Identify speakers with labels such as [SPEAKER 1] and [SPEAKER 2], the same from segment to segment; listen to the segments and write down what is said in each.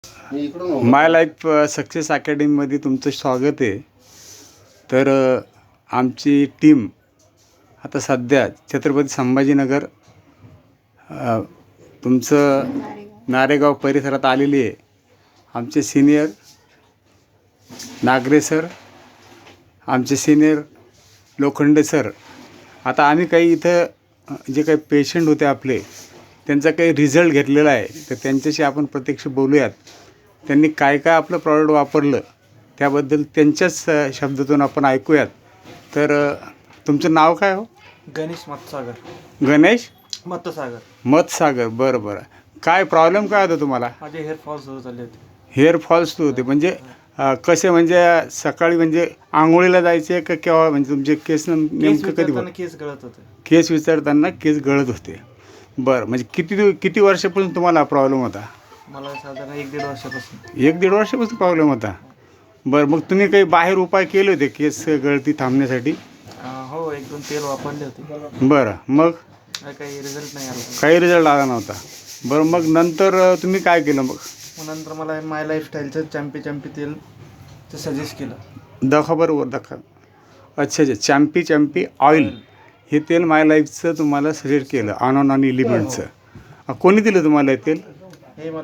[SPEAKER 1] माय life success अकॅडमीमध्ये तुमचं स्वागत आहे. तर आमची टीम आता सध्या छत्रपती संभाजीनगर तुमचं नारेगाव परिसरात आलेली आहे. आमचे सिनियर नागरे सर, आमचे सिनियर लोखंडे सर. आता आम्ही काही इथं जे काही पेशंट होते आपले, त्यांचा काही रिझल्ट घेतलेला आहे, तर त्यांच्याशी आपण प्रत्यक्ष बोलूयात. त्यांनी काय काय आपलं प्रॉडक्ट वापरलं त्याबद्दल त्यांच्याच शब्दातून आपण ऐकूयात. तर तुमचं नाव काय हो?
[SPEAKER 2] गणेश मतसागर.
[SPEAKER 1] गणेश
[SPEAKER 2] मतसागर.
[SPEAKER 1] बरं बरं. काय प्रॉब्लेम काय होता तुम्हाला?
[SPEAKER 2] माझे हेअरफॉल सुरू झाले होते.
[SPEAKER 1] हेअरफॉल्स होते म्हणजे कसे, म्हणजे सकाळी म्हणजे आंघोळीला जायचे का केव्हा, म्हणजे तुमचे केस नेमकं कधी
[SPEAKER 2] केस गळत होते?
[SPEAKER 1] केस विचारताना केस गळत होते. बरं, म्हणजे किती वर्षापासून तुम्हाला प्रॉब्लेम होता?
[SPEAKER 2] मला साधारण 1-1.5 वर्षापासून.
[SPEAKER 1] 1-1.5 वर्षापासून प्रॉब्लेम होता. बरं, मग तुम्ही काही बाहेर उपाय केले होते केस गळती थांबण्यासाठी?
[SPEAKER 2] हो, 1-2 तेल वापरले होते.
[SPEAKER 1] बरं, मग
[SPEAKER 2] काही रिझल्ट नाही आला.
[SPEAKER 1] काही रिझल्ट आला नव्हता. बरं, मग नंतर तुम्ही काय केलं? मग
[SPEAKER 2] नंतर मला माय लाईफस्टाईलचं चॅम्पी तेल ते सजेस्ट केलं.
[SPEAKER 1] दाखवा बरोबर, दाखवा. अच्छा, चॅम्पी ऑइल हे तेल माय लाईफचं तुम्हाला सजेस्ट केलं, ऑन आणि एलिमेंटचं. कोणी दिलं तुम्हाला हे तेल?
[SPEAKER 2] हे मला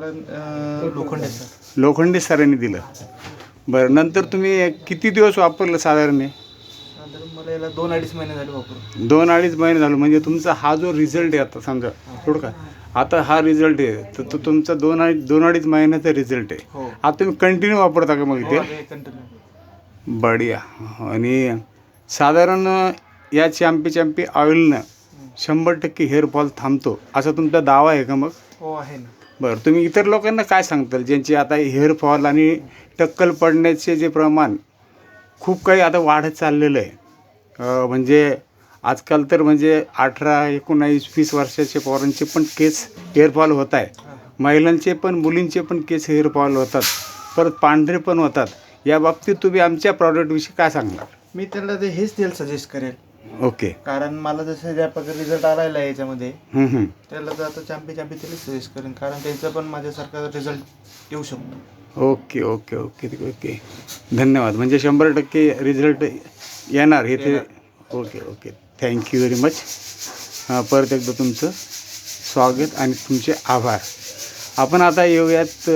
[SPEAKER 1] लोखंडे सरांनी दिलं. बरं, नंतर तुम्ही किती दिवस वापरलं साधारण?
[SPEAKER 2] मला याला 2-2.5 महिने झाले वापरून.
[SPEAKER 1] 2-2.5 महिने झालं. म्हणजे तुमचा हा जो रिझल्ट आहे, आता समजा थोडं का आता हा रिझल्ट आहे, तर तो तुमचा 2-2.5 महिन्याचा रिझल्ट आहे.
[SPEAKER 2] हो.
[SPEAKER 1] आता तुम्ही कंटिन्यू वापरता का मग ते?
[SPEAKER 2] कंटिन्यू.
[SPEAKER 1] बढिया. आणि साधारण या चॅम्पी ऑइलनं 100% हेअरफॉल थांबतो असा तुमचा दावा आहे का मग?
[SPEAKER 2] हो, आहे ना.
[SPEAKER 1] बरं, तुम्ही इतर लोकांना काय सांगताल ज्यांची आता हेअरफॉल आणि टक्कल पडण्याचे जे प्रमाण खूप काही आता वाढत चाललेलं आहे? म्हणजे आजकाल तर म्हणजे 18, 19, 20 वर्षाच्या पोरांचे पण केस हेअरफॉल होत आहे. महिलांचे पण, मुलींचे पण केस हेअरफॉल होतात, परत पांढरे पण होतात. या बाबतीत तुम्ही आमच्या प्रॉडक्टविषयी काय सांगणार?
[SPEAKER 2] मी त्यांना हेच तेल सजेस्ट करेल.
[SPEAKER 1] ओके.
[SPEAKER 2] कारण मला जसं ज्या प्रकारे रिझल्ट आलेला आहे याच्यामध्ये, त्याला तर आता चॅम्पी तेलच सजेस्ट करेन, कारण त्यांचा पण माझ्यासारखा रिझल्ट येऊ शकतो.
[SPEAKER 1] ओके. धन्यवाद. म्हणजे 100% रिझल्ट येणार हे ते. ओके. Thank you very much. परत एकदा तुमचं स्वागत आणि तुमचे आभार. आपण आता येऊयात,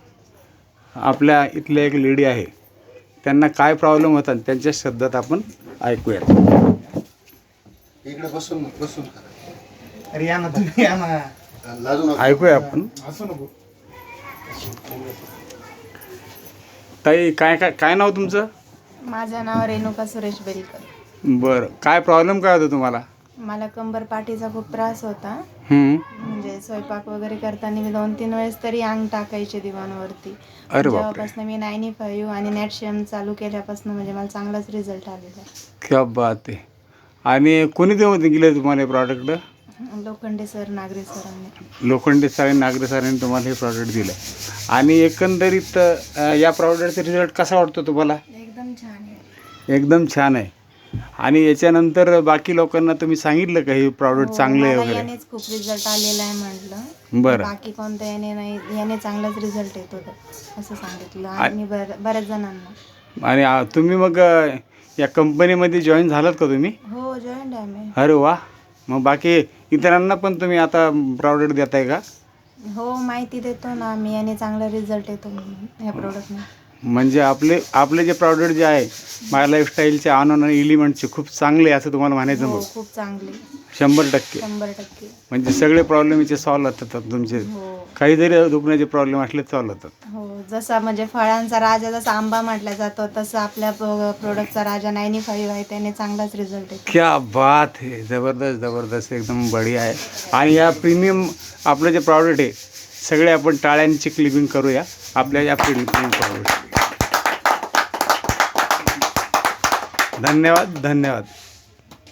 [SPEAKER 1] आपल्या इथल्या एक लेडी आहे, त्यांना काय प्रॉब्लेम होता त्यांच्या शब्दात आपण ऐकूयात.
[SPEAKER 3] इकडे बसून
[SPEAKER 2] अरे या ना तुम्ही, या ना.
[SPEAKER 1] ऐकूया आपण. ताई, काय नाव तुमचं?
[SPEAKER 4] माझं नाव रेणुका सुरेश बेलकर.
[SPEAKER 1] बरं, काय प्रॉब्लेम काय होता तुम्हाला?
[SPEAKER 4] मला कंबर पाठीचा खूप त्रास होता. म्हणजे स्वयंपाक वगैरे करताना मी 2-3 वेळेस तरी अंग टाकायचे दिवाणावरती. जेव्हापासून मी 95 आणि नॅटशियम चालू केल्यापासून म्हणजे मला चांगलाच रिझल्ट आलेला.
[SPEAKER 1] क्या बात आहे. आणि कोणी देऊन गेले तुम्हाला हे प्रॉडक्ट?
[SPEAKER 4] लोखंडे सर, नागरे सरांनी.
[SPEAKER 1] लोखंडे सर आणि नागरे सरांनी तुम्हाला हे प्रॉडक्ट दिलं. आणि एकंदरीत या प्रॉडक्टचा रिझल्ट कसा वाटतो तुम्हाला?
[SPEAKER 4] एकदम छान आहे.
[SPEAKER 1] एकदम छान आहे. आणि याच्यानंतर बाकी लोकांना तुम्ही सांगितलं का हे प्रॉडक्ट चांगलं आहे वगैरे?
[SPEAKER 4] यानेच खूप रिझल्ट आलेला आहे म्हटलं.
[SPEAKER 1] बरं.
[SPEAKER 4] बाकी कोणतं याने नाही, याने चांगलाच रिझल्ट येत होता असं सांगितलं आणि बऱ्याच जणांना.
[SPEAKER 1] आणि तुम्ही मग या कंपनीमध्ये जॉईन झालात का तुम्ही?
[SPEAKER 4] हो, जॉईन आहे मी.
[SPEAKER 1] अरे वा. मग बाकी इतरांना पण तुम्ही आता प्रॉडक्ट देताय का?
[SPEAKER 4] हो, माहिती देतो ना मी, याने चांगला रिझल्ट येतो म्हणून ह्या प्रोडक्टने. म्हणजे
[SPEAKER 1] आपले जे प्रॉडक्ट जे आहे माय लाईफस्टाईलचे ऑन आणि एलिमेंटचे खूप चांगले असं तुम्हाला म्हणायचं?
[SPEAKER 4] हो,
[SPEAKER 1] मग
[SPEAKER 4] खूप चांगले.
[SPEAKER 1] 100%. म्हणजे सगळे प्रॉब्लेम इथे सॉल्व्ह होतात तुमचे?
[SPEAKER 4] हो.
[SPEAKER 1] काही जरी दुखण्याचे प्रॉब्लेम असले सॉल्व्ह होतात?
[SPEAKER 4] हो, जसा म्हणजे फळांचा राजा जसा आंबा म्हटला जातो, तसं आपल्या प्रोडक्टचा राजा 95 आहे, त्याने चांगलाच रिझल्ट येतो.
[SPEAKER 1] क्या बात आहे. जबरदस्त एकदम बढिया आहे. आणि या प्रीमियम आपलं जे प्रॉडक्ट आहे, सगळे आपण टाळ्यांची क्लिपिंग करूया आपल्या या प्रीमियम प्रॉडक्ट. धन्यवाद.